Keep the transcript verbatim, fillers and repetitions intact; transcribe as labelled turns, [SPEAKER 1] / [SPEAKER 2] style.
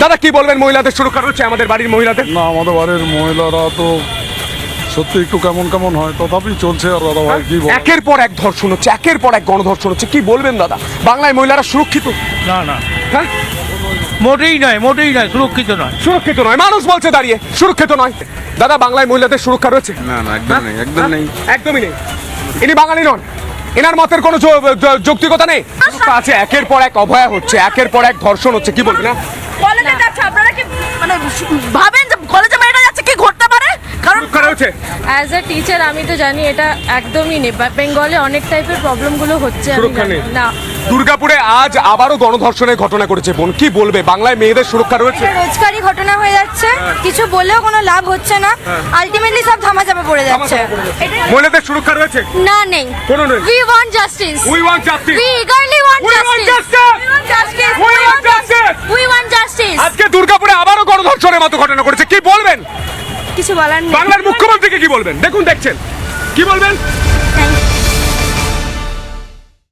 [SPEAKER 1] দাদা কি বলবেন, মহিলাদের সুরক্ষা রয়েছে আমাদের বাড়ির মহিলাদের?
[SPEAKER 2] না, আমাদের বাড়ির মহিলারা তো সত্যি একটু কেমন কেমন হয়, তথাপি চলছে। আর দাদা ভাই কি বল,
[SPEAKER 1] একের পর এক ধর্ষণ হচ্ছে, একের পর এক গণধর্ষণ হচ্ছে, কি বলবেন দাদা? বাংলায় মহিলারা সুরক্ষিত?
[SPEAKER 3] না না,
[SPEAKER 1] হ্যাঁ,
[SPEAKER 3] মোটেই নয়, মোটেই নয়, সুরক্ষিত নয়।
[SPEAKER 1] সুরক্ষিত নয়, মানুষ বলছে দাঁড়িয়ে সুরক্ষিত নয়। দাদা বাংলায় মহিলাদের সুরক্ষা রয়েছে?
[SPEAKER 4] না না, একদম নেই, একদম নেই,
[SPEAKER 1] একদমই নেই। ইনি বাঙালি নন, এনার মতের কোনো যৌ- যৌ- যৌক্তিকতা নেই। সুরক্ষা আছে, একের পর এক অভয়া হচ্ছে, একের পর এক ধর্ষণ হচ্ছে, কি বলবেন? না
[SPEAKER 5] কলেজে যাচ্ছে, আপনারা কি মানে ভাবেন যে কলেজে মেয়েরা যাচ্ছে কি ঘটতে পারে? কারণ
[SPEAKER 1] সুরক্ষা রয়েছে।
[SPEAKER 6] অ্যাজ এ টিচার আমি তো জানি এটা একদমই নেই। বেঙ্গলে অনেক টাইপের প্রবলেমগুলো হচ্ছে, আমি
[SPEAKER 1] সুরক্ষা
[SPEAKER 6] জানি
[SPEAKER 1] নেই।
[SPEAKER 6] না।
[SPEAKER 1] দুর্গাপুরে আজ আবারও গণধর্ষণের ঘটনা করেছে বোন, কি বলবে? বাংলায় মেয়েদের সুরক্ষা রয়েছে?
[SPEAKER 5] রোজকারই ঘটনা হয়ে যাচ্ছে, কিছু বলেও কোনো লাভ হচ্ছে না, আলটিমেটলি সব ধামা চাপা পড়ে যাচ্ছে।
[SPEAKER 1] মহিলাদের সুরক্ষা রয়েছে?
[SPEAKER 5] না, নেই।
[SPEAKER 1] কোনো নেই।
[SPEAKER 5] We want justice,
[SPEAKER 1] we want justice,
[SPEAKER 5] we eagerly want
[SPEAKER 1] we want
[SPEAKER 5] justice,
[SPEAKER 1] justice,
[SPEAKER 5] we
[SPEAKER 1] we
[SPEAKER 5] want justice,
[SPEAKER 1] want justice.
[SPEAKER 5] We want justice.
[SPEAKER 1] আজকে দুর্গাপুরে আবারও গণধর্ষণের মতো ঘটনা করেছে, কি বলবেন?
[SPEAKER 5] কিছু বলার নেই।
[SPEAKER 1] বাংলার মুখ্যমন্ত্রীকে কি বলবেন? দেখুন, দেখছেন, কি বলবেন?